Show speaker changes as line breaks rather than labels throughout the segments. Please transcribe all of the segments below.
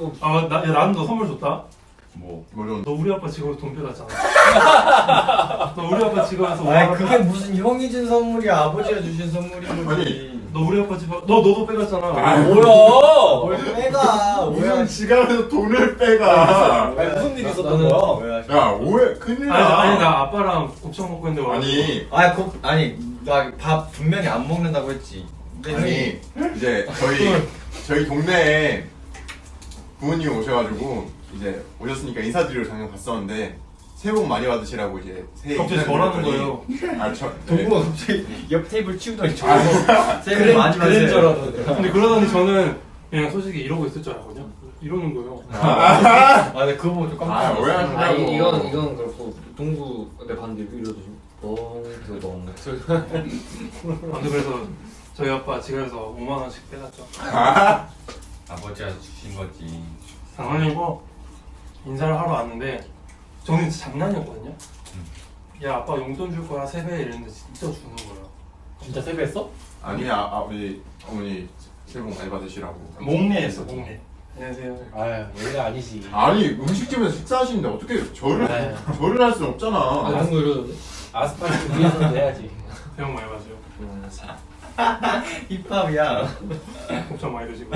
또
나는 너 선물 줬다.
물론
너 우리 아빠 직업에서 돈 빼갔잖아. 너 우리 아빠 직업에서
아니 그게 무슨 형이 준 선물이야 아버지가 주신 선물인 거지.
너 우리 아빠 집 너도 빼갔잖아.
뭐야?
뭘 빼가
무슨 지갑에서 돈을 빼가.
아니, 무슨 일이 있었던
나는
거야?
뭐야?
야 오해 큰일 나.
아니 나 아빠랑 곱창 먹고 있는데
아니
나 밥 분명히 안 먹는다고 했지. 근데
아니 이제 저희 동네에 부모님 오셔가지고 이제 오셨으니까 인사드리러 잠깐 갔었는데 새해 복 많이 받으시라고 이제 새해
갑자기 저라는 거예요.
동구가 갑자기 옆 테이블 치우더니 저 새해
그래,
복 많이
그런 줄
받으세요.
알았는데.
근데 그러더니 저는 그냥 솔직히 이러고 있을 줄 알았거든요. 이러는 거예요.
아 근데 그거 보고 좀 깜짝 놀랐어.
오해하시라고.
아니 이건 그렇고 동구 내 반대 이러듯이 뻥
근데 그래서 저희 아빠 지갑에서 5만 원씩 빼갔죠.
아버지가 주신 거지.
장난이고 인사를 하러 왔는데 저는 진짜 장난이었거든요. 야 아빠 용돈 줄 거야 세배 이랬는데 진짜 주는 거예요.
진짜 세배했어?
아니 아버지 어머니 새해 복 많이 받으시라고.
목례했어 목례. 안녕하세요.
아유 얘가 아니지.
아니 음식집에서 식사하시는데 어떻게 절을 할 수는 없잖아.
동구 이러던데? 아스팔트 위에서 해야지.
새해 복 많이 받으세요.
힙합이야.
곱창 많이 드시고.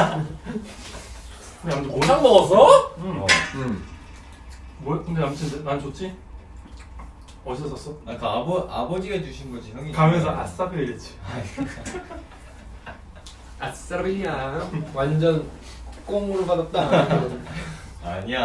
근데 아무튼
곱창 먹었어?
응.
근데 아무튼 난 좋지? 어디서 샀어?
그 아버지가 주신 거지 형이.
가면서 아싸비 이랬지.
아싸비야. 완전 꽁으로 받았다.
아니야.